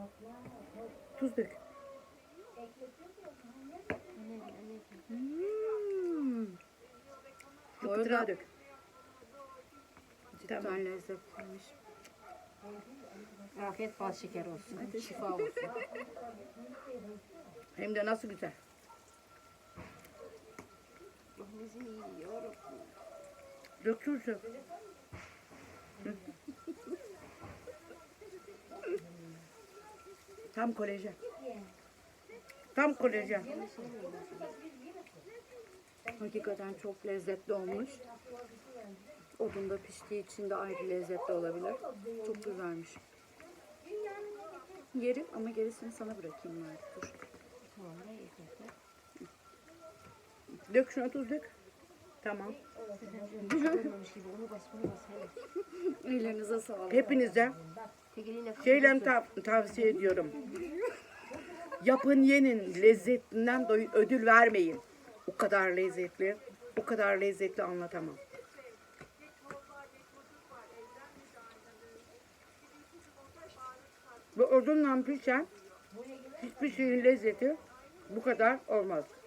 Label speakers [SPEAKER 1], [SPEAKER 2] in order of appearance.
[SPEAKER 1] Tuz dök.
[SPEAKER 2] Bu
[SPEAKER 1] Kıtırağı
[SPEAKER 2] arada
[SPEAKER 1] dök.
[SPEAKER 2] cidden lezzetliymiş.
[SPEAKER 3] Afiyet bal şeker olsun. Şifa olsun.
[SPEAKER 1] Hem de nasıl güzel.
[SPEAKER 3] Bizim iyi yiyorum.
[SPEAKER 1] Dök tuzu. Tam kolajen. Tam kolajen.
[SPEAKER 2] Hakikaten çok lezzetli olmuş. Odunda piştiği için de ayrı lezzetli olabilir. Çok güzelmiş. Yerim ama gerisini sana bırakayım ben. Dur.
[SPEAKER 3] Tamam ne yiyecekler?
[SPEAKER 1] Dök şuna tuz dök. Tamam.
[SPEAKER 3] Görmemiş gibi onu bas bunu bas. Hele.
[SPEAKER 2] Ellerinize sağlık.
[SPEAKER 1] Hepinize
[SPEAKER 3] Tek eline
[SPEAKER 1] şeyle tavsiye ediyorum. Yapın yenin, lezzetinden ödül vermeyin. O kadar lezzetli, o kadar lezzetli anlatamam. Ve odunla pişen hiçbir şeyin lezzeti bu kadar olmaz.